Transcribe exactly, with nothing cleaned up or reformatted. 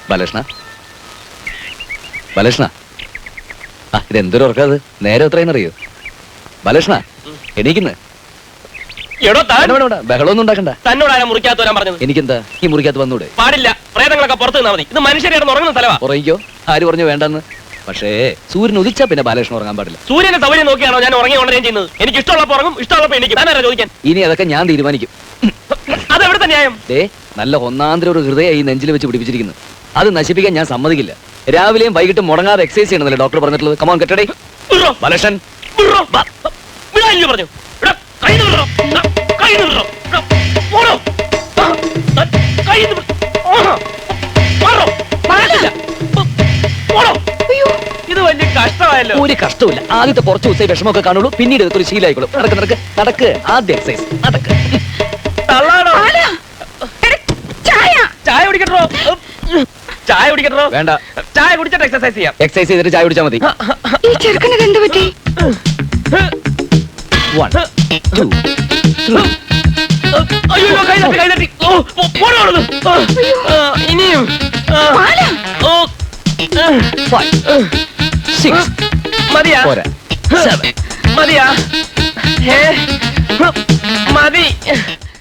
ബാലകൃഷ്ണ ബാലകൃഷ്ണ ആ ഇതെന്തൊരു ഉറക്കാത് നേരെ എത്രയെന്നറിയോ ബാലകൃഷ്ണ എണീക്കുന്നു ബഹളമൊന്നും ഉണ്ടാക്കണ്ട. തന്നോടാണ് മുറിക്കകത്ത് വരാൻ പറഞ്ഞത്. എനിക്കെന്താ ഈ മുറിക്കകത്ത് വന്നൂടെ? പാടില്ല, പ്രേതങ്ങളൊക്കെ പുറത്ത് നിന്നാ മതി. ഇത് മനുഷ്യരെ ഉറങ്ങുന്ന സ്ഥലമാ. ഉറങ്ങിക്കോ, ആര് പറഞ്ഞു വേണ്ടെന്ന്? പക്ഷേ സൂര്യൻ ഉദിച്ചാ പിന്നെ ബാലകൃഷ്ണൻ ഉറങ്ങാൻ പാടില്ല. സൂര്യന്റെ സൗകര്യം നോക്കിയാണോ ഞാൻ ഉറങ്ങി ഉണരുകയും ചെയ്യുന്നത്? എനിക്ക് ഇഷ്ടമുള്ളപ്പോൾ ഉറങ്ങും, ഇഷ്ടമുള്ളപ്പോൾ എനിക്ക് താനാരാ ചോദിക്കാൻ? ഇനി അതൊക്കെ ഞാൻ തീരുമാനിക്കും. അതെവിടുത്തെ ന്യായം? ഏ നല്ല ഒന്നാന്തര ഒരു ഹൃദയ ഈ നെഞ്ചിൽ വെച്ച് പിടിപ്പിച്ചിരിക്കുന്നു. അത് നശിപ്പിക്കാൻ ഞാൻ സമ്മതിക്കില്ല. രാവിലെയും വൈകിട്ടും മുടങ്ങാതെ എക്സസൈസ് ചെയ്യണമെന്നല്ലേ ഡോക്ടർ പറഞ്ഞിട്ടുള്ളത്? കമോൺ കെട്ടടേ ബാലകൃഷ്ണൻ. പറഞ്ഞു ഇത് വലിയ കഷ്ടമായല്ലോ. ഒരു കഷ്ടമില്ല. ആദ്യത്തെ കുറച്ച് ദിവസം വിഷമമൊക്കെ കാണുള്ളൂ, പിന്നീട് ഇതൊരു ശീലമായിക്കോളും. നടക്ക് നടക്ക് നടക്ക് ആദ്യ എക്സസൈസ് നടക്ക്. തള്ളാണോ? ചായ കുടിക്കട്ടോ? ചായ കുടിക്കട്ടോ? വേണ്ട, ചായ കുടിച്ചിട്ട് എക്സസൈസ് ചെയ്യാം. എക്സസൈസ് ചെയ്തിട്ട് ചായ കുടിച്ചാൽ മതി. ഈ ചെറുക്കനത് എന്ത് പറ്റി? One, two, three. അയ്യോ കൈ തട്ടി കൈ തട്ടി. ഇനിയും Five, six. മതിയാ? പോരാ. Seven. മതിയാ? മതി.